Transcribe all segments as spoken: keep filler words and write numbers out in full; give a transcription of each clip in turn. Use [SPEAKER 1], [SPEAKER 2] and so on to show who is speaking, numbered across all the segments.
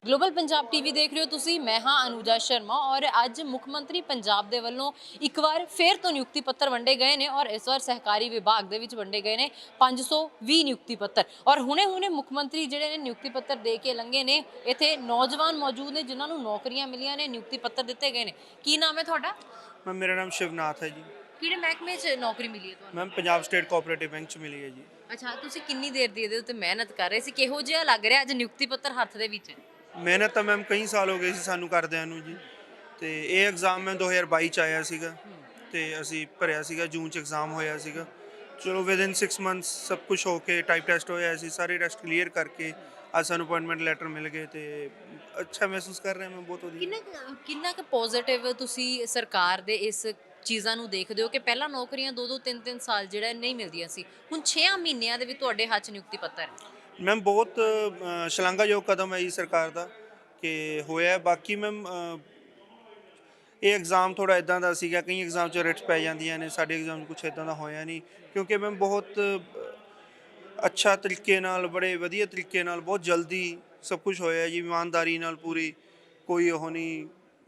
[SPEAKER 1] Global Punjab TV ਦੇਖ ਰਹੇ ਹੋ ਤੁਸੀਂ। ਮੈਂ ਹਾਂ ਅਨੂਜਾ ਸ਼ਰਮਾ ਔਰ ਅੱਜ ਮੁੱਖ ਮੰਤਰੀ ਪੰਜਾਬ ਦੇ ਵੱਲੋਂ ਇੱਕ ਵਾਰ ਫੇਰ ਤੋਂ ਨਿਯੁਕਤੀ ਪੱਤਰ ਵੰਡੇ ਗਏ ਨੇ ਔਰ ਇਸ ਵਾਰ ਸਹਿਕਾਰੀ ਵਿਭਾਗ ਦੇ ਵਿੱਚ ਵੰਡੇ ਗਏ ਨੇ ਪੰਜ ਸੌ ਵੀਹ ਨਿਯੁਕਤੀ ਪੱਤਰ। ਔਰ ਹੁਣੇ ਹੁਣੇ ਮੁੱਖ ਮੰਤਰੀ ਜਿਹੜੇ ਨੇ ਨਿਯੁਕਤੀ ਪੱਤਰ ਦੇ ਕੇ ਲੰਘੇ ਨੇ। ਇੱਥੇ ਨੌਜਵਾਨ ਮੌਜੂਦ ਨੇ ਜਿਨ੍ਹਾਂ ਨੂੰ ਨੌਕਰੀਆਂ ਮਿਲੀਆਂ ਨੇ, ਨਿਯੁਕਤੀ ਪੱਤਰ ਦਿੱਤੇ ਗਏ ਨੇ। ਕੀ ਨਾਮ ਹੈ ਤੁਹਾਡਾ?
[SPEAKER 2] मैम मेरा नाम शिवनाथ है जी।
[SPEAKER 1] ਕਿਹੜੇ ਮਹਿਕਮੇ 'ਚ ਨੌਕਰੀ ਮਿਲੀ ਹੈ ਤੁਹਾਨੂੰ?
[SPEAKER 2] Ma'am Punjab state cooperative bank च मिली है जी।
[SPEAKER 1] ਅੱਛਾ, ਤੁਸੀਂ ਕਿੰਨੀ ਦੇਰ ਦੀ ਇਹਦੇ ਉੱਤੇ ਮਿਹਨਤ ਕਰ ਰਹੇ ਸੀ? ਕਿਹੋ ਜਿਹਾ ਲੱਗ ਰਿਹਾ ਅੱਜ ਨਿਯੁਕਤੀ ਪੱਤਰ ਹੱਥ ਦੇ ਵਿੱਚ?
[SPEAKER 2] ਮਿਹਨਤ ਤਾਂ ਮੈਮ ਕਈ ਸਾਲ ਹੋ ਗਏ ਸੀ ਸਾਨੂੰ ਕਰਦਿਆਂ ਨੂੰ ਜੀ। ਤੇ ਇਹ ਐਗਜ਼ਾਮ ਮੈਂ ਦੋ ਹਜ਼ਾਰ ਬਾਈ ਚ ਆਇਆ ਸੀਗਾ ਤੇ ਅਸੀਂ ਭਰਿਆ ਸੀਗਾ, ਜੂਨ ਚ ਐਗਜ਼ਾਮ ਹੋਇਆ ਸੀਗਾ। ਚਲੋ ਵਿਦਿਨ ਸਿਕਸ ਮੰਥਸ ਸਭ ਕੁਝ ਹੋ ਕੇ ਟਾਈਪ ਟੈਸਟ ਹੋਇਆ ਸੀ, ਸਾਰੇ ਟੈਸਟ ਕਲੀਅਰ ਕਰਕੇ ਅੱਜ ਸਾਨੂੰ ਅਪਾਇੰਟਮੈਂਟ ਲੈਟਰ ਮਿਲ ਗਏ ਤੇ ਅੱਛਾ ਮਹਿਸੂਸ ਕਰ ਰਿਹਾ ਮੈਂ, ਬਹੁਤ ਵਧੀਆ।
[SPEAKER 1] ਕਿੰਨਾ ਕੁ- ਕਿੰਨਾ ਕੁ ਪੋਜ਼ਿਟਿਵ ਤੁਸੀਂ ਸਰਕਾਰ ਦੇ ਇਸ ਚੀਜ਼ਾਂ ਨੂੰ ਦੇਖਦੇ ਹੋ ਕਿ ਪਹਿਲਾਂ ਨੌਕਰੀਆਂ ਦੋ ਦੋ ਤਿੰਨ ਤਿੰਨ ਸਾਲ ਜਿਹੜਾ ਨਹੀਂ ਮਿਲਦੀਆਂ ਸੀ, ਹੁਣ ਛੇ ਮਹੀਨਿਆਂ ਦੇ ਵਿੱਚ ਤੁਹਾਡੇ ਹੱਥ 'ਚ ਨਿਯੁਕਤੀ ਪੱਤਰ ਹੈ?
[SPEAKER 2] ਮੈਮ ਬਹੁਤ ਅ, ਸ਼ਲਾਘਾਯੋਗ ਕਦਮ ਹੈ ਜੀ ਸਰਕਾਰ ਦਾ ਕਿ ਹੋਇਆ। ਬਾਕੀ ਮੈਮ ਇਹ ਐਗਜ਼ਾਮ ਥੋੜ੍ਹਾ ਇੱਦਾਂ ਦਾ ਸੀਗਾ, ਕਈ ਐਗਜ਼ਾਮ 'ਚ ਰਿਟਸ ਪੈ ਜਾਂਦੀਆਂ ਨੇ, ਸਾਡੇ ਐਗਜ਼ਾਮ 'ਚ ਕੁਛ ਇੱਦਾਂ ਦਾ ਹੋਇਆ ਨਹੀਂ ਕਿਉਂਕਿ ਮੈਮ ਬਹੁਤ ਅੱਛਾ ਤਰੀਕੇ ਨਾਲ, ਬੜੇ ਵਧੀਆ ਤਰੀਕੇ ਨਾਲ, ਬਹੁਤ ਜਲਦੀ ਸਭ ਕੁਝ ਹੋਇਆ ਜੀ, ਇਮਾਨਦਾਰੀ ਨਾਲ ਪੂਰੀ, ਕੋਈ ਉਹ ਨਹੀਂ।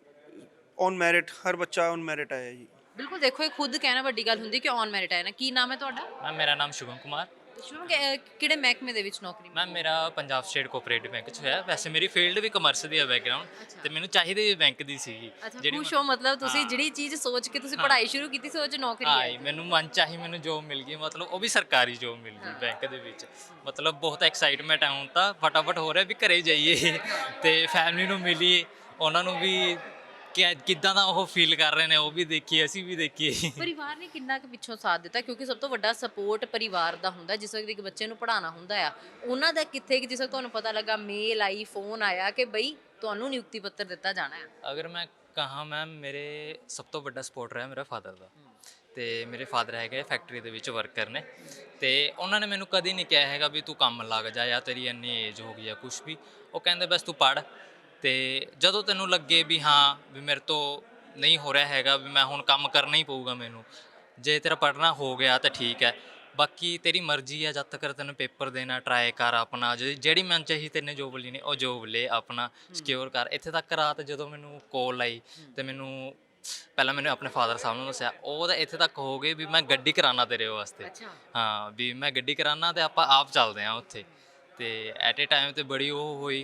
[SPEAKER 2] ਔਨ ਮੈਰਿਟ ਹਰ ਬੱਚਾ ਔਨ ਮੈਰਿਟ ਆਇਆ ਜੀ।
[SPEAKER 1] ਬਿਲਕੁਲ, ਦੇਖੋ ਇਹ ਖੁਦ ਕਹਿਣਾ ਵੱਡੀ ਗੱਲ ਹੁੰਦੀ ਕਿ ਔਨ ਮੈਰਿਟ ਹੈ ਨਾ। ਕੀ ਨਾਮ ਹੈ ਤੁਹਾਡਾ?
[SPEAKER 3] ਮੈਮ ਮੇਰਾ ਨਾਮ ਸ਼ੁਭਮ ਕੁਮਾਰ।
[SPEAKER 1] ਸ਼ੁਭਮ, ਕਿ- ਕਿਹੜੇ ਮਹਿਕਮੇ ਦੇ ਵਿੱਚ ਨੌਕਰੀ ਮਿਲੀ?
[SPEAKER 3] ਮੈਮ ਮੇਰਾ ਪੰਜਾਬ ਸਟੇਟ ਕੋਆਪਰੇਟਿਵ ਬੈਂਕ 'ਚ ਹੋਇਆ। ਵੈਸੇ ਮੇਰੀ ਫੀਲਡ ਵੀ ਕਮਰਸ ਦੀ ਹੈ ਬੈਕਗਰਾਊਂਡ, ਤੇ ਮੈਨੂੰ ਚਾਹੀਦੀ ਵੀ ਬੈਂਕ ਦੀ ਸੀਗੀ।
[SPEAKER 1] ਅੱਛਾ, ਖੁਸ਼ ਹੋ ਮਤਲਬ ਤੁਸੀਂ ਜਿਹੜੀ ਚੀਜ਼ ਸੋਚ ਕੇ ਤੁਸੀਂ ਪੜ੍ਹਾਈ ਸ਼ੁਰੂ ਕੀਤੀ ਸੀ ਉਹ 'ਚ ਨੌਕਰੀ
[SPEAKER 3] ਹਾਂ
[SPEAKER 1] ਹੈ?
[SPEAKER 3] ਮੈਨੂੰ ਮਨ ਚਾਹੀ ਮੈਨੂੰ ਜੋਬ ਮਿਲ ਗਈ, ਮਤਲਬ ਉਹ ਵੀ ਸਰਕਾਰੀ ਜੋਬ ਮਿਲ ਗਈ ਬੈਂਕ ਦੇ ਵਿੱਚ। ਮਤਲਬ ਬਹੁਤ ਐਕਸਾਈਟਮੈਂਟ ਹੈ ਹੁਣ ਤਾਂ, ਫਟਾਫਟ ਹੋ ਰਿਹਾ ਵੀ ਘਰੇ ਜਾਈਏ ਤੇ ਫੈਮਿਲੀ ਨੂੰ ਮਿਲੀਏ, ਉਹਨਾਂ ਨੂੰ ਵੀ ਕਿ ਕਿੱਦਾਂ ਦਾ ਉਹ ਫੀਲ ਕਰ ਰਹੇ ਨੇ ਉਹ ਵੀ ਦੇਖੀਏ, ਅਸੀਂ ਵੀ ਦੇਖੀਏ।
[SPEAKER 1] ਪਰਿਵਾਰ ਨੇ ਕਿੰਨਾ ਕੁ ਪਿੱਛੋਂ ਸਾਥ ਦਿੱਤਾ? ਕਿਉਂਕਿ ਸਭ ਤੋਂ ਵੱਡਾ ਸਪੋਰਟ ਪਰਿਵਾਰ ਦਾ ਹੁੰਦਾ। ਜਿਸ ਵਕਤ ਇੱਕ ਬੱਚੇ ਨੂੰ ਪੜ੍ਹਾਉਣਾ ਹੁੰਦਾ ਆ, ਉਹਨਾਂ ਦਾ ਕਿੱਥੇ ਕਿ ਜਿਸ ਵਕਤ ਤੁਹਾਨੂੰ ਪਤਾ ਲੱਗਾ, ਮੇਲ ਆਈ, ਫੋਨ ਆਇਆ ਕਿ ਬਈ ਤੁਹਾਨੂੰ ਨਿਯੁਕਤੀ ਪੱਤਰ ਦਿੱਤਾ ਜਾਣਾ ਹੈ?
[SPEAKER 3] ਅਗਰ ਮੈਂ ਕਹਾਂ ਮੈਮ, ਮੇਰੇ ਸਭ ਤੋਂ ਵੱਡਾ ਸਪੋਰਟ ਰਿਹਾ ਮੇਰਾ ਫਾਦਰ ਦਾ। ਤੇ ਮੇਰੇ ਫਾਦਰ ਹੈਗੇ ਫੈਕਟਰੀ ਦੇ ਵਿੱਚ ਵਰਕਰ ਨੇ, ਤੇ ਉਹਨਾਂ ਨੇ ਮੈਨੂੰ ਕਦੀ ਨਹੀਂ ਕਿਹਾ ਹੈਗਾ ਵੀ ਤੂੰ ਕੰਮ ਲੱਗ ਜਾ ਜਾਂ ਤੇਰੀ ਇੰਨੀ ਏਜ ਹੋ ਗਈ ਆ ਕੁਛ ਵੀ। ਉਹ ਕਹਿੰਦੇ ਬਸ ਤੂੰ ਪੜ੍ਹ, ਤੇ ਜਦੋਂ ਤੈਨੂੰ ਲੱਗੇ ਵੀ ਹਾਂ ਵੀ ਮੇਰੇ ਤੋਂ ਨਹੀਂ ਹੋ ਰਿਹਾ ਹੈਗਾ, ਵੀ ਮੈਂ ਹੁਣ ਕੰਮ ਕਰਨਾ ਹੀ ਪਊਗਾ ਮੈਨੂੰ, ਜੇ ਤੇਰਾ ਪੜ੍ਹਨਾ ਹੋ ਗਿਆ ਤਾਂ ਠੀਕ ਹੈ, ਬਾਕੀ ਤੇਰੀ ਮਰਜ਼ੀ ਹੈ, ਜਦ ਤੱਕ ਤੈਨੂੰ ਪੇਪਰ ਦੇਣਾ ਟਰਾਈ ਕਰ ਆਪਣਾ, ਜਿਹੜੀ ਮਨ ਚਾਹੀ ਤੈਨੇ ਜੋਬ ਲੈਣੀ ਉਹ ਜੋਬ ਲੈ, ਆਪਣਾ ਸਿਕਿਉਰ ਕਰ। ਇੱਥੇ ਤੱਕ ਰਾਤ ਜਦੋਂ ਮੈਨੂੰ ਕੋਲ ਆਈ ਤੇ ਮੈਨੂੰ ਪਹਿਲਾਂ ਮੈਨੂੰ ਆਪਣੇ ਫਾਦਰ ਸਾਹਿਬ ਨੂੰ ਦੱਸਿਆ, ਉਹ ਤਾਂ ਇੱਥੇ ਤੱਕ ਹੋ ਗਏ ਵੀ ਮੈਂ ਗੱਡੀ ਕਰਾਉਣਾ ਤੇਰੇ ਵਾਸਤੇ। ਹਾਂ, ਵੀ ਮੈਂ ਗੱਡੀ ਕਰਾਉਣਾ ਤੇ ਆਪਾਂ ਆਪ ਚੱਲਦੇ ਹਾਂ ਉੱਥੇ। ਤੇ ਐਟ ਏ ਟਾਈਮ ਤੇ ਬੜੀ ਉਹ ਹੋਈ,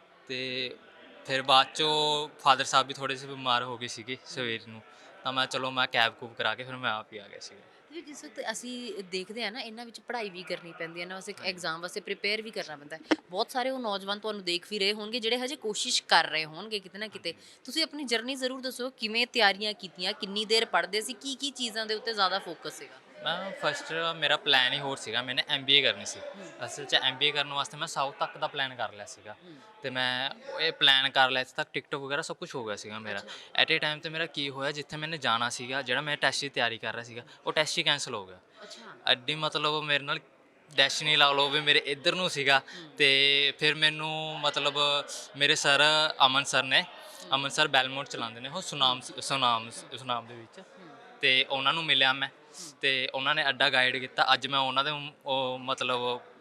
[SPEAKER 3] ਤੇ ਫਿਰ ਬਾਅਦ 'ਚੋਂ ਫਾਦਰ ਸਾਹਿਬ ਵੀ ਥੋੜ੍ਹੇ ਜਿਹੇ ਬਿਮਾਰ ਹੋ ਗਏ ਸੀਗੇ ਸਵੇਰ ਨੂੰ, ਤਾਂ ਮੈਂ ਚਲੋ ਮੈਂ ਕੈਬ ਕੂਬ ਕਰਾ ਕੇ ਫਿਰ ਮੈਂ ਆਪ ਹੀ ਆ ਗਿਆ ਸੀਗਾ।
[SPEAKER 1] ਤੇ ਜਿਸ ਵਕਤ ਅਸੀਂ ਦੇਖਦੇ ਆ ਨਾ, ਇਹਨਾਂ ਵਿੱਚ ਪੜ੍ਹਾਈ ਵੀ ਕਰਨੀ ਪੈਂਦੀ ਹੈ ਨਾ, ਵਾਸਤੇ ਐਗਜ਼ਾਮ ਵਾਸਤੇ ਪ੍ਰੀਪੇਅਰ ਵੀ ਕਰਨਾ ਪੈਂਦਾ ਹੈ। ਬਹੁਤ ਸਾਰੇ ਉਹ ਨੌਜਵਾਨ ਤੁਹਾਨੂੰ ਦੇਖ ਵੀ ਰਹੇ ਹੋਣਗੇ ਜਿਹੜੇ ਹਜੇ ਕੋਸ਼ਿਸ਼ ਕਰ ਰਹੇ ਹੋਣਗੇ ਕਿਤੇ ਨਾ ਕਿਤੇ। ਤੁਸੀਂ ਆਪਣੀ ਜਰਨੀ ਜ਼ਰੂਰ ਦੱਸੋ, ਕਿਵੇਂ ਤਿਆਰੀਆਂ ਕੀਤੀਆਂ, ਕਿੰਨੀ ਦੇਰ ਪੜ੍ਹਦੇ ਸੀ, ਕੀ ਕੀ ਚੀਜ਼ਾਂ ਦੇ ਉੱਤੇ ਜ਼ਿਆਦਾ ਫੋਕਸ ਸੀਗਾ?
[SPEAKER 3] ਮੈਂ ਫਸਟ ਮੇਰਾ ਪਲਾਨ ਹੀ ਹੋਰ ਸੀਗਾ, ਮੈਨੇ ਐਮ ਬੀ ਏ ਕਰਨੀ ਸੀ। ਅਸਲ 'ਚ ਐਮ ਬੀ ਏ ਕਰਨ ਵਾਸਤੇ ਮੈਂ ਸਾਊਥ ਤੱਕ ਦਾ ਪਲਾਨ ਕਰ ਲਿਆ ਸੀਗਾ, ਤੇ ਮੈਂ ਇਹ ਪਲਾਨ ਕਰ ਲਿਆ ਇੱਥੇ ਤੱਕ, ਟਿਕਟੋਕ ਵਗੈਰਾ ਸਭ ਕੁਝ ਹੋ ਗਿਆ ਸੀਗਾ ਮੇਰਾ। ਐਟ ਏ ਟਾਈਮ 'ਤੇ ਮੇਰਾ ਕੀ ਹੋਇਆ, ਜਿੱਥੇ ਮੈਨੇ ਜਾਣਾ ਸੀਗਾ, ਜਿਹੜਾ ਮੈਂ ਟੈਸਟ ਦੀ ਤਿਆਰੀ ਕਰ ਰਿਹਾ ਸੀਗਾ, ਉਹ ਟੈਸਟ ਹੀ ਕੈਂਸਲ ਹੋ ਗਿਆ। ਐਡੀ ਮਤਲਬ ਮੇਰੇ ਨਾਲ ਡੈਸਟਨੀ ਲਾ ਲਓ ਵੀ ਮੇਰੇ ਇੱਧਰ ਨੂੰ ਸੀਗਾ। ਤੇ ਫਿਰ ਮੈਨੂੰ ਮਤਲਬ ਮੇਰੇ ਸਰ ਅਮਨ ਸਰ ਨੇ, ਅਮਨ ਸਰ ਬੈਲਮੋਟ ਚਲਾਉਂਦੇ ਨੇ ਉਹ ਸੁਨਾਮ ਸੁਨਾਮ ਸੁਨਾਮ ਦੇ ਵਿੱਚ, ਤੇ ਉਹਨਾਂ ਨੂੰ ਮਿਲਿਆ ਮੈਂ, ਤੇ ਉਹਨਾਂ ਨੇ ਅੱਡਾ ਗਾਈਡ ਕੀਤਾ। ਅੱਜ ਮੈਂ ਉਹਨਾਂ ਦੇ ਉਹ ਮਤਲਬ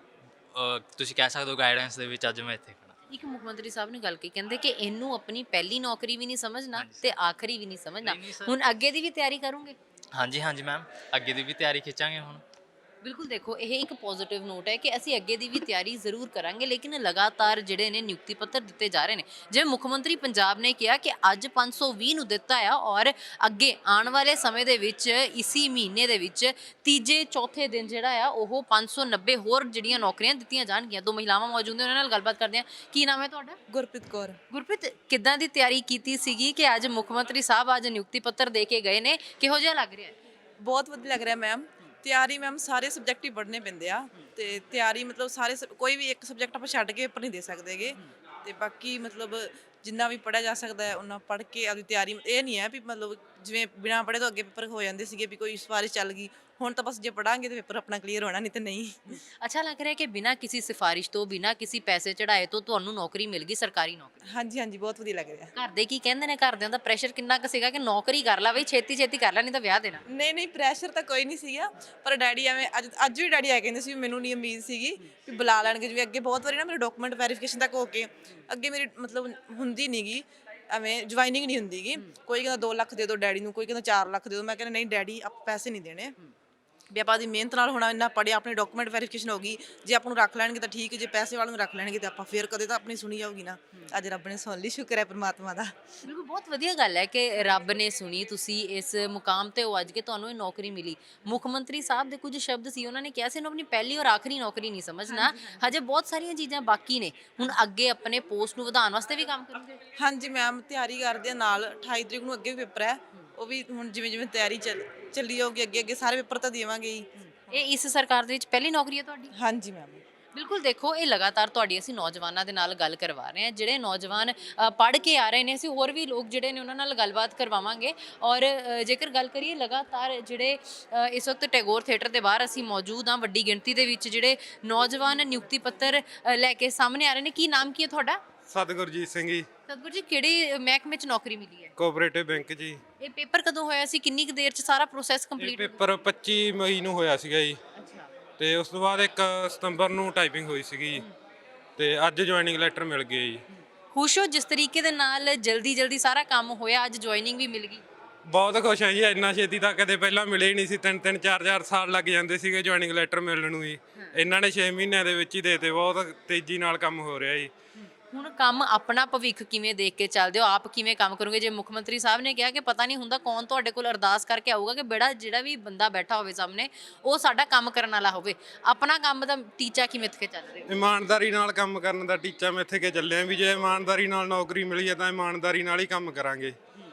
[SPEAKER 3] ਤੁਸੀਂ ਕਹਿ ਸਕਦੇ ਹੋ ਗਾਈਡੈਂਸ ਦੇ ਵਿੱਚ ਅੱਜ ਮੈਂ ਇੱਥੇ ਖੜਾ।
[SPEAKER 1] ਇੱਕ ਮੁੱਖ ਮੰਤਰੀ ਸਾਹਿਬ ਨੇ ਗੱਲ ਕੀ ਕਹਿੰਦੇ ਕਿ ਇਹਨੂੰ ਆਪਣੀ ਪਹਿਲੀ ਨੌਕਰੀ ਵੀ ਨਹੀਂ ਸਮਝਣਾ ਤੇ ਆਖਰੀ ਵੀ ਨਹੀਂ ਸਮਝਣਾ। ਹੁਣ ਅੱਗੇ ਦੀ ਵੀ ਤਿਆਰੀ ਕਰੋਗੇ?
[SPEAKER 3] ਹਾਂਜੀ ਹਾਂਜੀ ਮੈਮ, ਅੱਗੇ ਦੀ ਵੀ ਤਿਆਰੀ ਖਿੱਚਾਂਗੇ ਹੁਣ।
[SPEAKER 1] ਬਿਲਕੁਲ, ਦੇਖੋ ਇਹ ਇੱਕ ਪੋਜ਼ਿਟਿਵ ਨੋਟ ਹੈ ਕਿ ਅਸੀਂ ਅੱਗੇ ਦੀ ਵੀ ਤਿਆਰੀ ਜ਼ਰੂਰ ਕਰਾਂਗੇ, ਲੇਕਿਨ ਲਗਾਤਾਰ ਜਿਹੜੇ ਨੇ ਨਿਯੁਕਤੀ ਪੱਤਰ ਦਿੱਤੇ ਜਾ ਰਹੇ ਨੇ। ਜਿਵੇਂ ਮੁੱਖ ਮੰਤਰੀ ਪੰਜਾਬ ਨੇ ਕਿਹਾ ਕਿ ਅੱਜ ਪੰਜ ਸੌ ਵੀਹ ਨੂੰ ਦਿੱਤਾ ਆ ਔਰ ਅੱਗੇ ਆਉਣ ਵਾਲੇ ਸਮੇਂ ਦੇ ਵਿੱਚ ਇਸੀ ਮਹੀਨੇ ਦੇ ਵਿੱਚ ਤੀਜੇ ਚੌਥੇ ਦਿਨ ਜਿਹੜਾ ਆ ਉਹ ਪੰਜ ਸੌ ਨੱਬੇ ਹੋਰ ਜਿਹੜੀਆਂ ਨੌਕਰੀਆਂ ਦਿੱਤੀਆਂ ਜਾਣਗੀਆਂ। ਦੋ ਮਹਿਲਾਵਾਂ ਮੌਜੂਦ ਨੇ, ਉਹਨਾਂ ਨਾਲ ਗੱਲਬਾਤ ਕਰਦੇ ਹਾਂ। ਕੀ ਨਾਮ ਹੈ ਤੁਹਾਡਾ?
[SPEAKER 4] ਗੁਰਪ੍ਰੀਤ ਕੌਰ।
[SPEAKER 1] ਗੁਰਪ੍ਰੀਤ, ਕਿੱਦਾਂ ਦੀ ਤਿਆਰੀ ਕੀਤੀ ਸੀਗੀ ਕਿ ਅੱਜ ਮੁੱਖ ਮੰਤਰੀ ਸਾਹਿਬ ਅੱਜ ਨਿਯੁਕਤੀ ਪੱਤਰ ਦੇ ਕੇ ਗਏ ਨੇ, ਕਿਹੋ ਜਿਹਾ ਲੱਗ ਰਿਹਾ?
[SPEAKER 4] ਬਹੁਤ ਵਧੀਆ ਲੱਗ ਰਿਹਾ ਮੈਮ। ਤਿਆਰੀ ਮੈਮ ਸਾਰੇ ਸਬਜੈਕਟ ਹੀ ਪੜ੍ਹਨੇ ਪੈਂਦੇ ਆ, ਤੇ ਤਿਆਰੀ ਮਤਲਬ ਸਾਰੇ ਸਬ- ਕੋਈ ਵੀ ਇੱਕ ਸਬਜੈਕਟ ਆਪਾਂ ਛੱਡ ਕੇ ਪੇਪਰ ਨਹੀਂ ਦੇ ਸਕਦੇਗੇ। ਤੇ ਬਾਕੀ ਮਤਲਬ ਜਿੰਨਾ ਵੀ ਪੜ੍ਹਿਆ ਜਾ ਸਕਦਾ ਹੈ ਉਹਨਾਂ ਪੜ੍ਹ ਕੇ ਆਪਦੀ ਤਿਆਰੀ, ਇਹ ਨਹੀਂ ਹੈ ਵੀ ਮਤਲਬ ਜਿਵੇਂ ਬਿਨਾਂ ਪੜ੍ਹੇ ਤੋਂ ਅੱਗੇ ਪੇਪਰ ਹੋ ਜਾਂਦੇ ਸੀਗੇ ਵੀ ਕੋਈ ਸਿਫਾਰਿਸ਼ ਚੱਲ ਗਈ, ਹੁਣ ਤਾਂ ਬਸ ਜੇ ਪੜਾਂਗੇ ਤੇ ਪੇਪਰ ਆਪਣਾ ਕਲੀਅਰ ਹੋਣਾ, ਨਹੀਂ ਤੇ ਨਹੀਂ।
[SPEAKER 1] ਅੱਛਾ ਲੱਗ ਰਿਹਾ ਕਿ ਬਿਨਾਂ ਕਿਸੇ ਸਿਫਾਰਿਸ਼ ਤੋਂ ਬਿਨਾਂ ਕਿਸੇ ਪੈਸੇ ਚੜਾਏ ਤੋਂ ਤੁਹਾਨੂੰ ਨੌਕਰੀ ਮਿਲ ਗਈ, ਸਰਕਾਰੀ ਨੌਕਰੀ।
[SPEAKER 4] ਹਾਂਜੀ ਹਾਂਜੀ ਬਹੁਤ ਵਧੀਆ ਲੱਗ ਰਿਹਾ।
[SPEAKER 1] ਘਰ ਦੇ ਕੀ ਕਹਿੰਦੇ ਨੇ? ਘਰਦਿਆਂ ਦਾ ਪ੍ਰੈਸ਼ਰ ਕਿੰਨਾ ਕੁ ਸੀਗਾ ਕਿ ਨੌਕਰੀ ਕਰ ਲੈ ਬਈ, ਛੇਤੀ ਛੇਤੀ ਕਰ ਲੈ ਨਹੀਂ ਤਾਂ ਵਿਆਹ ਦੇਣਾ?
[SPEAKER 4] ਨਹੀਂ ਨਹੀਂ ਪ੍ਰੈਸ਼ਰ ਤਾਂ ਕੋਈ ਨਹੀਂ ਸੀਗਾ, ਪਰ ਡੈਡੀ ਐਵੇਂ ਅੱਜ ਅੱਜ ਵੀ ਡੈਡੀ ਆ ਕਹਿੰਦੇ ਸੀ ਵੀ ਮੈਨੂੰ ਨਹੀਂ ਉਮੀਦ ਸੀਗੀ ਵੀ ਬੁਲਾ ਲੈਣਗੇ, ਜਿਵੇਂ ਅੱਗੇ ਬਹੁਤ ਵਾਰੀ ਨਾ ਮੇਰੇ ਡਾਕੂਮੈਂਟ ਵੈਰੀਫਿਕੇਸ਼ਨ ਤੱਕ ਹੋ ਕੇ ਅੱਗੇ ਮੇਰੀ ਮਤਲਬ ਹੁੰਦੀ ਨਹੀਂਗੀ, ਐਵੇਂ ਜੁਆਇਨਿੰਗ ਨਹੀਂ ਹੁੰਦੀਗੀ। ਕੋਈ ਕਹਿੰਦਾ ਦੋ ਲੱਖ ਦੇ ਦਿਓ ਡੈਡੀ ਨੂੰ, ਕੋਈ ਕਹਿੰਦਾ ਚਾਰ ਲੱਖ ਦੇ ਦਿਓ। ਮੈਂ ਕਹਿੰਦਾ ਨਹੀਂ ਡੈਡੀ, ਆਪ ਪੈਸੇ ਨਹੀਂ ਦੇਣੇ ਵੀ ਆਪਾਂ ਦੀ ਮਿਹਨਤ ਨਾਲ ਹੋਣਾ, ਇੰਨਾ ਪੜਿਆ, ਆਪਣੇ ਡਾਕੂਮੈਂਟ ਵੈਰੀਫਿਕੇਸ਼ਨ ਹੋ ਗਈ, ਜੇ ਆਪਾਂ ਨੂੰ ਰੱਖ ਲੈਣਗੇ ਤਾਂ ਠੀਕ, ਜੇ ਪੈਸੇ ਵਾਲੇ ਨੂੰ ਰੱਖ ਲੈਣਗੇ ਤਾਂ ਆਪਾਂ ਫੇਰ ਕਦੇ ਤਾਂ ਆਪਣੀ ਸੁਣੀ ਜਾਊਗੀ ਨਾ। ਅੱਜ ਰੱਬ ਨੇ ਸੁਣ ਲਈ, ਸ਼ੁਕਰ ਹੈ ਪਰਮਾਤਮਾ ਦਾ।
[SPEAKER 1] ਬਿਲਕੁਲ, ਬਹੁਤ ਵਧੀਆ ਗੱਲ ਹੈ ਕਿ ਰੱਬ ਨੇ ਸੁਣੀ, ਤੁਸੀਂ ਇਸ ਮੁਕਾਮ ਤੇ ਹੋ ਅੱਜ ਕੇ ਤੁਹਾਨੂੰ ਇਹ ਨੌਕਰੀ ਮਿਲੀ। ਮੁੱਖ ਮੰਤਰੀ ਸਾਹਿਬ ਦੇ ਕੁਝ ਸ਼ਬਦ ਸੀ, ਉਹਨਾਂ ਨੇ ਕਿਹਾ ਸੀ ਇਹਨੂੰ ਆਪਣੀ ਪਹਿਲੀ ਔਰ ਆਖਰੀ ਨੌਕਰੀ ਨਹੀਂ ਸਮਝਣਾ, ਹਜੇ ਬਹੁਤ ਸਾਰੀਆਂ ਚੀਜ਼ਾਂ ਬਾਕੀ ਨੇ। ਹੁਣ ਅੱਗੇ ਆਪਣੇ ਪੋਸਟ ਨੂੰ ਵਧਾਉਣ ਵਾਸਤੇ ਵੀ ਕੰਮ ਕਰੋਗੇ?
[SPEAKER 4] ਹਾਂਜੀ ਮੈਮ, ਤਿਆਰੀ ਕਰਦੇ ਆ ਨਾਲ। ਅਠਾਈ ਤਰੀਕ ਨੂੰ ਅੱਗੇ ਵੀ ਪੇਪਰ ਹੈ, ਉਹ ਵੀ ਹੁਣ ਜਿਵੇਂ ਜਿਵੇਂ ਤਿਆਰੀ ਚੱਲ ਚੱਲੀ ਜਾਊਗੀ ਅੱਗੇ ਅੱਗੇ ਸਾਰੇ ਪੇਪਰ ਤਾਂ ਦੇਵਾਂਗੇ ਹੀ।
[SPEAKER 1] ਇਹ ਇਸ ਸਰਕਾਰ ਦੇ ਵਿੱਚ ਪਹਿਲੀ ਨੌਕਰੀ ਹੈ ਤੁਹਾਡੀ?
[SPEAKER 4] ਹਾਂਜੀ ਮੈਮ।
[SPEAKER 1] ਬਿਲਕੁਲ, ਦੇਖੋ ਇਹ ਲਗਾਤਾਰ ਤੁਹਾਡੀ ਅਸੀਂ ਨੌਜਵਾਨਾਂ ਦੇ ਨਾਲ ਗੱਲ ਕਰਵਾ ਰਹੇ ਹਾਂ, ਜਿਹੜੇ ਨੌਜਵਾਨ ਪੜ੍ਹ ਕੇ ਆ ਰਹੇ ਨੇ। ਅਸੀਂ ਹੋਰ ਵੀ ਲੋਕ ਜਿਹੜੇ ਨੇ ਉਹਨਾਂ ਨਾਲ ਗੱਲਬਾਤ ਕਰਵਾਵਾਂਗੇ। ਔਰ ਅ, ਜੇਕਰ ਗੱਲ ਕਰੀਏ ਲਗਾਤਾਰ ਜਿਹੜੇ ਅ, ਇਸ ਵਕਤ ਟੈਗੋਰ ਥੀਏਟਰ ਦੇ ਬਾਹਰ ਅਸੀਂ ਮੌਜੂਦ ਹਾਂ, ਵੱਡੀ ਗਿਣਤੀ ਦੇ ਵਿੱਚ ਜਿਹੜੇ ਨੌਜਵਾਨ ਨਿਯੁਕਤੀ ਪੱਤਰ ਅ, ਲੈ ਕੇ ਸਾਹਮਣੇ ਆ ਰਹੇ ਨੇ। ਕੀ ਨਾਮ ਕੀ ਹੈ ਤੁਹਾਡਾ?
[SPEAKER 5] ਸਤਿਗੁਰਜੀਤ ਸਿੰਘ ਜੀ,
[SPEAKER 1] ਸਤਗੁਰ ਜੀ, ਕਿਹੜੇ ਮਹਿਕਮੇ 'ਚ ਨੌਕਰੀ ਮਿਲੀ ਹੈ?
[SPEAKER 5] ਕੋਆਪਰੇਟਿਵ ਬੈਂਕ ਜੀ।
[SPEAKER 1] ਇਹ ਪੇਪਰ ਕਦੋਂ ਹੋਇਆ ਸੀ? ਕਿੰਨੀ ਕੁ ਦੇਰ 'ਚ ਸਾਰਾ ਪ੍ਰੋਸੈਸ
[SPEAKER 5] ਇਹ
[SPEAKER 1] ਕੰਪਲੀਟ?
[SPEAKER 5] ਪੇਪਰ ਪੱਚੀ ਮਈ ਨੂੰ ਹੋਇਆ ਸੀਗਾ ਜੀ,
[SPEAKER 1] ਅੱਛਾ,
[SPEAKER 5] ਤੇ ਉਸ ਤੋਂ ਬਾਅਦ ਇੱਕ ਸਤੰਬਰ ਨੂੰ ਟਾਈਪਿੰਗ ਹੋਈ ਸੀਗੀ ਜੀ, ਤੇ ਅੱਜ ਜੁਆਇਨਿੰਗ ਲੈਟਰ ਮਿਲ ਗਿਆ ਜੀ।
[SPEAKER 1] ਖੁਸ਼ ਹੋ ਜਿਸ ਤਰੀਕੇ ਦੇ ਨਾਲ ਜਲਦੀ ਜਲਦੀ ਸਾਰਾ ਕੰਮ ਹੋਇਆ, ਅੱਜ ਜੁਆਇਨਿੰਗ ਵੀ ਮਿਲ ਗਈ?
[SPEAKER 5] ਬਹੁਤ ਖੁਸ਼ ਹਾਂ ਜੀ, ਇੰਨਾ ਛੇਤੀ ਤਾਂ ਕਦੇ ਪਹਿਲਾਂ ਮਿਲੇ ਹੀ ਨਹੀਂ ਸੀ। ਤਿੰਨ ਤਿੰਨ ਚਾਰ ਚਾਰ ਸਾਲ ਲੱਗ ਜਾਂਦੇ ਸੀਗੇ ਜੁਆਇਨਿੰਗ ਲੈਟਰ ਮਿਲਣ ਨੂੰ ਜੀ, ਇਹਨਾਂ ਨੇ ਛੇ ਮਹੀਨਿਆਂ ਦੇ ਵਿੱਚ ਹੀ ਦੇਤੇ। ਬਹੁਤ ਤੇਜ਼ੀ ਨਾਲ ਕੰਮ ਹੋ ਰਿਹਾ ਜੀ।
[SPEAKER 1] ਹੁਣ ਕੰਮ ਆਪਣਾ ਭਵਿੱਖ ਕਿਵੇਂ ਦੇਖ ਕੇ ਚੱਲਦੇ ਹੋ? ਆਪ ਕਿਵੇਂ ਕੰਮ ਕਰੋਗੇ? ਜੇ ਮੁੱਖ ਮੰਤਰੀ ਸਾਹਿਬ ਨੇ ਕਿਹਾ ਕਿ ਪਤਾ ਨਹੀਂ ਹੁੰਦਾ ਕੌਣ ਤੁਹਾਡੇ ਕੋਲ ਅਰਦਾਸ ਕਰਕੇ ਆਊਗਾ ਕਿ ਬੇੜਾ ਜਿਹੜਾ ਵੀ ਬੰਦਾ ਬੈਠਾ ਹੋਵੇ ਸਾਹਮਣੇ ਉਹ ਸਾਡਾ ਕੰਮ ਕਰਨ ਵਾਲਾ ਹੋਵੇ, ਆਪਣਾ ਕੰਮ ਦਾ ਟੀਚਾ ਕਿਵੇਂ ਇੱਥੇ ਚੱਲ ਰਿਹਾ?
[SPEAKER 5] ਇਮਾਨਦਾਰੀ ਨਾਲ ਕੰਮ ਕਰਨ ਦਾ ਟੀਚਾ ਮੈਂ ਇੱਥੇ ਕੇ ਚੱਲਿਆ ਵੀ ਜੇ ਇਮਾਨਦਾਰੀ ਨਾਲ ਨੌਕਰੀ ਮਿਲੀ ਹੈ ਤਾਂ ਇਮਾਨਦਾਰੀ ਨਾਲ ਹੀ ਕੰਮ ਕਰਾਂਗੇ।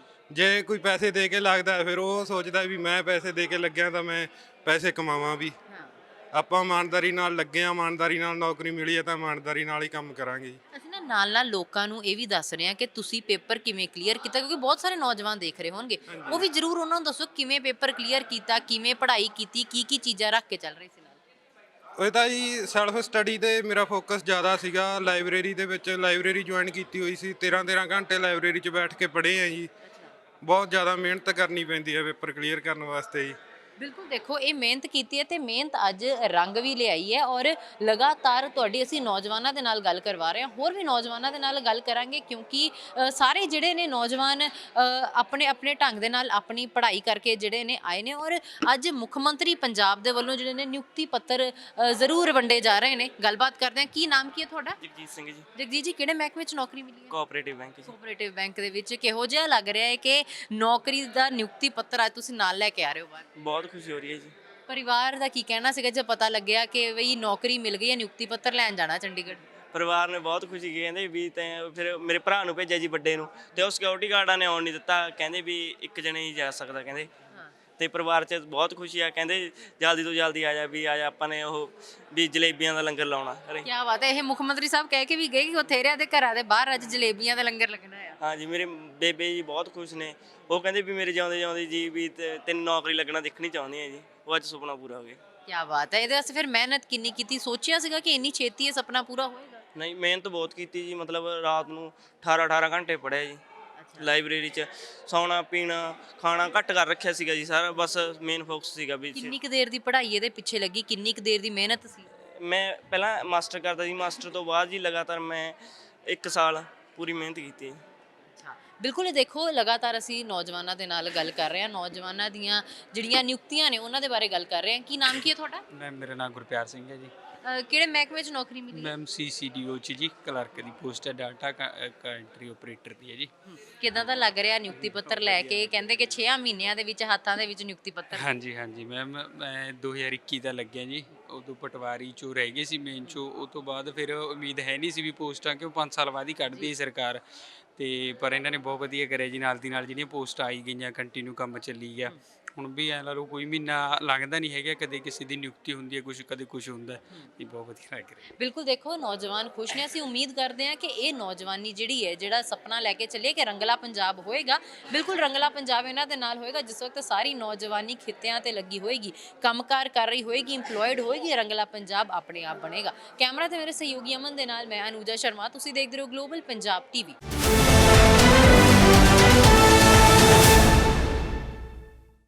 [SPEAKER 5] ਜੇ ਕੋਈ ਪੈਸੇ ਦੇ ਕੇ ਲੱਗਦਾ ਹੈ ਫਿਰ ਉਹ ਸੋਚਦਾ ਵੀ ਮੈਂ ਪੈਸੇ ਦੇ ਕੇ ਲੱਗਿਆ ਤਾਂ ਮੈਂ ਪੈਸੇ ਕਮਾਵਾਂ ਵੀ। ਆਪਾਂ ਇਮਾਨਦਾਰੀ ਨਾਲ ਲੱਗੇ ਆ, ਇਮਾਨਦਾਰੀ ਨਾਲ ਨੌਕਰੀ ਮਿਲੀ ਹੈ ਤਾਂ ਇਮਾਨਦਾਰੀ ਨਾਲ ਹੀ ਕੰਮ ਕਰਾਂਗੇ।
[SPEAKER 1] ਅਸੀਂ ਨਾ ਨਾਲ ਨਾਲ ਲੋਕਾਂ ਨੂੰ ਇਹ ਵੀ ਦੱਸ ਰਹੇ ਹਾਂ ਕਿ ਤੁਸੀਂ ਪੇਪਰ ਕਿਵੇਂ ਕਲੀਅਰ ਕੀਤਾ, ਕਿਉਂਕਿ ਬਹੁਤ ਸਾਰੇ ਨੌਜਵਾਨ ਦੇਖ ਰਹੇ ਹੋਣਗੇ, ਉਹ ਵੀ ਜ਼ਰੂਰ ਉਹਨਾਂ ਨੂੰ ਦੱਸੋ ਕਿਵੇਂ ਪੇਪਰ ਕਲੀਅਰ ਕੀਤਾ, ਕਿਵੇਂ ਪੜ੍ਹਾਈ ਕੀਤੀ, ਕੀ ਕੀ ਚੀਜ਼ਾਂ ਰੱਖ ਕੇ ਚੱਲ ਰਹੇ ਸੀ ਨਾਲ?
[SPEAKER 5] ਉਹ ਤਾਂ ਜੀ ਸੈਲਫ ਸਟੱਡੀ ਤੇ ਮੇਰਾ ਫੋਕਸ ਜ਼ਿਆਦਾ ਸੀਗਾ। ਲਾਇਬ੍ਰੇਰੀ ਦੇ ਵਿੱਚ ਲਾਇਬ੍ਰੇਰੀ ਜੁਆਇਨ ਕੀਤੀ ਹੋਈ ਸੀ, ਤੇਰਾਂ ਤੇਰਾਂ ਘੰਟੇ ਲਾਇਬ੍ਰੇਰੀ 'ਚ ਬੈਠ ਕੇ ਪੜ੍ਹੇ ਆ ਜੀ। ਬਹੁਤ ਜ਼ਿਆਦਾ ਮਿਹਨਤ ਕਰਨੀ ਪੈਂਦੀ ਹੈ ਪੇਪਰ ਕਲੀਅਰ ਕਰਨ ਵਾਸਤੇ ਜੀ।
[SPEAKER 1] ਬਿਲਕੁਲ, ਦੇਖੋ ਇਹ ਮਿਹਨਤ ਕੀਤੀ ਹੈ ਤੇ ਮਿਹਨਤ ਅੱਜ ਰੰਗ ਵੀ ਲਿਆਈ ਹੈ। ਔਰ ਲਗਾਤਾਰ ਤੁਹਾਡੀ ਅਸੀਂ ਨੌਜਵਾਨਾਂ ਦੇ ਨਾਲ ਗੱਲ ਕਰਵਾ ਰਹੇ ਹਾਂ, ਹੋਰ ਵੀ ਨੌਜਵਾਨਾਂ ਦੇ ਨਾਲ ਗੱਲ ਕਰਾਂਗੇ, ਕਿਉਂਕਿ ਅ, ਸਾਰੇ ਜਿਹੜੇ ਨੇ ਨੌਜਵਾਨ ਅ, ਆਪਣੇ ਆਪਣੇ ਢੰਗ ਦੇ ਨਾਲ ਆਪਣੀ ਪੜ੍ਹਾਈ ਕਰਕੇ ਜਿਹੜੇ ਨੇ ਆਏ ਨੇ। ਔਰ ਅੱਜ ਮੁੱਖ ਮੰਤਰੀ ਪੰਜਾਬ ਦੇ ਵੱਲੋਂ ਜਿਹੜੇ ਨੇ ਨਿਯੁਕਤੀ ਪੱਤਰ ਅ, ਜ਼ਰੂਰ ਵੰਡੇ ਜਾ ਰਹੇ ਨੇ। ਗੱਲਬਾਤ ਕਰਦੇ ਹਾਂ। ਕੀ ਨਾਮ ਕੀ ਹੈ ਤੁਹਾਡਾ?
[SPEAKER 6] ਜਗਜੀਤ ਸਿੰਘ ਜੀ,
[SPEAKER 1] ਜਗਜੀਤ ਜੀ, ਕਿਹੜੇ ਮਹਿਕਮੇ 'ਚ ਨੌਕਰੀ ਮਿਲੀ ਹੈ?
[SPEAKER 6] ਕੋਆਪਰੇਟਿਵ ਬੈਂਕ ਜੀ।
[SPEAKER 1] ਕੋਆਪਰੇਟਿਵ ਬੈਂਕ ਦੇ ਵਿੱਚ ਕਿਹੋ ਜਿਹਾ ਲੱਗ ਰਿਹਾ ਹੈ ਕਿ ਨੌਕਰੀ ਦਾ ਨਿਯੁਕਤੀ ਪੱਤਰ ਅੱਜ ਤੁਸੀਂ ਨਾਲ ਲੈ ਕੇ ਆ ਰਹੇ ਹੋ ਬਾਹਰ?
[SPEAKER 6] ਬਹੁਤ ਖੁਸ਼ੀ ਹੋ ਰਹੀ ਹੈ ਜੀ।
[SPEAKER 1] ਪਰਿਵਾਰ ਦਾ ਕੀ ਕਹਿਣਾ ਸੀਗਾ ਜਦ ਪਤਾ ਲੱਗਿਆ ਕਿ ਬਈ ਨੌਕਰੀ ਮਿਲ ਗਈ ਹੈ, ਨਿਯੁਕਤੀ ਪੱਤਰ ਲੈਣ ਜਾਣਾ ਚੰਡੀਗੜ੍ਹ?
[SPEAKER 6] ਪਰਿਵਾਰ ਨੇ ਬਹੁਤ ਖੁਸ਼ੀ ਕੀਤੀ, ਕਹਿੰਦੇ ਵੀ ਤੈਂ ਫਿਰ ਮੇਰੇ ਭਰਾ ਨੂੰ ਭੇਜਿਆ ਜੀ ਵੱਡੇ ਨੂੰ, ਤੇ ਉਹ ਸਿਕਿਉਰਿਟੀ ਗਾਰਡਾਂ ਨੇ ਆਉਣ ਨਹੀਂ ਦਿੱਤਾ, ਕਹਿੰਦੇ ਵੀ ਇੱਕ ਜਣੇ ਹੀ ਜਾ ਸਕਦਾ ਕਹਿੰਦੇ। ਤੇ ਪਰਿਵਾਰ 'ਚ ਬਹੁਤ ਖੁਸ਼ੀ ਆ, ਕਹਿੰਦੇ ਜਲਦੀ ਤੋਂ ਜਲਦੀ ਆ ਜਾ ਵੀ ਆ ਜਾ, ਆਪਾਂ ਨੇ ਉਹ ਵੀ ਜਲੇਬੀਆਂ ਦਾ ਲੰਗਰ ਲਾਉਣਾ ਘਰੇ।
[SPEAKER 1] ਕੀ ਬਾਤ ਹੈ! ਇਹ ਮੁੱਖ ਮੰਤਰੀ ਸਾਹਿਬ ਕਹਿ ਕੇ ਵੀ ਗਏ ਕਿ ਬਥੇਰਿਆਂ ਦੇ ਘਰਾਂ ਦੇ ਬਾਹਰ ਅੱਜ ਜਲੇਬੀਆਂ ਦਾ ਲੰਗਰ ਲੱਗਣਾ ਆ।
[SPEAKER 6] ਹਾਂ ਜੀ, ਮੇਰੇ ਬੇਬੇ ਜੀ ਬਹੁਤ ਖੁਸ਼ ਨੇ। ਉਹ ਕਹਿੰਦੇ ਵੀ ਮੇਰੇ ਜਿਉਂਦੇ ਜਿਉਂਦੇ ਜੀ ਵੀ ਤੇ ਤੈਨੂੰ ਨੌਕਰੀ ਲੱਗਣਾ ਦੇਖਣੀ ਚਾਹੁੰਦੀ ਆ ਜੀ। ਉਹ ਅੱਜ ਸੁਪਨਾ ਪੂਰਾ ਹੋ ਗਿਆ।
[SPEAKER 1] ਕੀ ਬਾਤ ਹੈ! ਇਹਦੇ ਵਾਸਤੇ ਫਿਰ ਮਿਹਨਤ ਕਿੰਨੀ ਕੀਤੀ? ਸੋਚਿਆ ਸੀਗਾ ਕਿ ਇੰਨੀ ਛੇਤੀ ਇਹ ਸੁਪਨਾ ਪੂਰਾ ਹੋਏਗਾ?
[SPEAKER 6] ਨਹੀਂ, ਮਿਹਨਤ ਬਹੁਤ ਕੀਤੀ ਜੀ। ਮਤਲਬ ਰਾਤ ਨੂੰ ਅਠਾਰਾਂ ਅਠਾਰਾਂ ਘੰਟੇ ਪੜ੍ਹਿਆ ਜੀ ਲਾਇਬ੍ਰੇਰੀ 'ਚ। ਸੌਣਾ ਪੀਣਾ ਖਾਣਾ ਘੱਟ ਕਰ ਰੱਖਿਆ ਸੀਗਾ ਜੀ ਸਾਰਾ, ਬਸ ਮੇਨ ਫੋਕਸ ਸੀਗਾ ਵੀ।
[SPEAKER 1] ਕਿੰਨੀ ਕੁ ਦੇਰ ਦੀ ਪੜ੍ਹਾਈ ਇਹਦੇ ਪਿੱਛੇ ਲੱਗੀ? ਕਿੰਨੀ ਕੁ ਦੇਰ ਦੀ ਮਿਹਨਤ ਸੀ?
[SPEAKER 6] ਮੈਂ ਪਹਿਲਾਂ ਮਾਸਟਰ ਕਰਦਾ ਸੀ, ਮਾਸਟਰ ਤੋਂ ਬਾਅਦ ਜੀ ਲਗਾਤਾਰ ਮੈਂ ਇੱਕ ਸਾਲ ਪੂਰੀ ਮਿਹਨਤ ਕੀਤੀ ਹੈ।
[SPEAKER 1] ਅੱਛਾ, ਬਿਲਕੁਲ। ਇਹ ਦੇਖੋ ਲਗਾਤਾਰ ਅਸੀਂ ਨੌਜਵਾਨਾਂ ਦੇ ਨਾਲ ਗੱਲ ਕਰ ਰਹੇ ਹਾਂ, ਨੌਜਵਾਨਾਂ ਦੀਆਂ ਜਿਹੜੀਆਂ ਨਿਯੁਕਤੀਆਂ ਨੇ ਉਹਨਾਂ ਦੇ ਬਾਰੇ ਗੱਲ ਕਰ ਰਹੇ ਹਾਂ। ਕੀ ਨਾਮ ਕੀ ਹੈ ਤੁਹਾਡਾ?
[SPEAKER 7] ਮੈਮ ਮੇਰਾ ਨਾਮ ਗੁਰਪਿਆਰ ਸਿੰਘ ਹੈ ਜੀ।
[SPEAKER 1] ਅ, ਕਿਹੜੇ ਮਹਿਕਮੇ 'ਚ ਨੌਕਰੀ ਮਿਲੀ ਹੈ?
[SPEAKER 7] ਮੈਮ ਸੀ ਸੀ ਡੀ ਓ 'ਚ ਜੀ ਕਲਰਕ ਦੀ ਪੋਸਟ ਹੈ, ਡਾਟਾ ਐਂਟਰੀ ਆਪਰੇਟਰ ਦੀ ਹੈ ਜੀ।
[SPEAKER 1] ਕਿੱਦਾਂ ਦਾ ਲੱਗ ਰਿਹਾ ਨਿਯੁਕਤੀ ਪੱਤਰ ਲੈ ਕੇ? ਕਹਿੰਦੇ ਕਿ ਛੇ ਮਹੀਨਿਆਂ ਦੇ ਵਿੱਚ ਹੱਥਾਂ ਦੇ ਵਿੱਚ ਨਿਯੁਕਤੀ ਪੱਤਰ।
[SPEAKER 7] ਹਾਂਜੀ ਹਾਂਜੀ ਮੈਮ, ਮੈਂ ਦੋ ਹਜ਼ਾਰ ਇੱਕੀ ਦਾ ਲੱਗਿਆ ਜੀ। ਉਦੋਂ ਪਟਵਾਰੀ 'ਚੋਂ ਰਹਿ ਗਏ ਸੀ ਮੇਨ 'ਚੋਂ। ਉਹ ਤੋਂ ਬਾਅਦ ਫਿਰ ਉਮੀਦ ਹੈ ਨਹੀਂ ਸੀ ਵੀ ਪੋਸਟਾਂ, ਕਿਉਂ ਪੰਜ ਸਾਲ ਬਾਅਦ ਹੀ ਕੱਢਦੀ ਹੈ ਸਰਕਾਰ। ਤੇ ਪਰ ਇਹਨਾਂ ਨੇ ਬਹੁਤ ਵਧੀਆ ਕਰਿਆ ਜੀ, ਨਾਲ ਦੀ ਨਾਲ ਜਿਹੜੀਆਂ ਪੋਸਟਾਂ ਆਈ ਗਈਆਂ ਕੰਟੀਨਿਊ ਕੰਮ ਚੱਲੀ ਗਿਆ। ਹੁਣ ਵੀ ਐ ਲਾ ਲਓ ਕੋਈ ਮਹੀਨਾ ਲੰਘਦਾ ਨਹੀਂ ਹੈਗਾ ਕਦੇ ਕਿਸੇ ਦੀ ਨਿਯੁਕਤੀ ਹੁੰਦੀ ਹੈ ਕੁਝ ਕਦੇ ਕੁਝ ਹੁੰਦਾ ਹੈ। ਇਹ ਬਹੁਤ ਵਧੀਆ ਲੱਗ ਰਿਹਾ।
[SPEAKER 1] ਬਿਲਕੁਲ ਦੇਖੋ ਨੌਜਵਾਨ ਖੁਸ਼ ਨੇ, ਅਸੀਂ ਉਮੀਦ ਕਰਦੇ ਹਾਂ ਕਿ ਇਹ ਨੌਜਵਾਨੀ ਜਿਹੜੀ ਹੈ ਜਿਹੜਾ ਸੁਪਨਾ ਲੈ ਕੇ ਚੱਲੇ ਕਿ ਰੰਗਲਾ ਪੰਜਾਬ ਹੋਏਗਾ, ਬਿਲਕੁਲ ਰੰਗਲਾ ਪੰਜਾਬ ਇਹਨਾਂ ਦੇ ਨਾਲ ਹੋਏਗਾ ਜਿਸ ਵਕਤ ਸਾਰੀ ਨੌਜਵਾਨੀ ਖਿੱਤਿਆਂ ਤੇ ਲੱਗੀ ਹੋਏਗੀ, ਕੰਮਕਾਰ ਕਰ ਰਹੀ ਹੋਏਗੀ, ਇੰਪਲੋਇਡ ਹੋਏਗੀ, ਰੰਗਲਾ ਪੰਜਾਬ ਆਪਣੇ ਆਪ ਬਣੇਗਾ। ਕੈਮਰਾ ਤੇ ਮੇਰੇ ਸਹਿਯੋਗੀ ਅਮਨ ਦੇ ਨਾਲ ਮੈਂ ਅਨੂਜਾ ਸ਼ਰਮਾ, ਤੁਸੀਂ ਦੇਖਦੇ ਰਹੋ ਗਲੋਬਲ ਪੰਜਾਬ ਟੀਵੀ।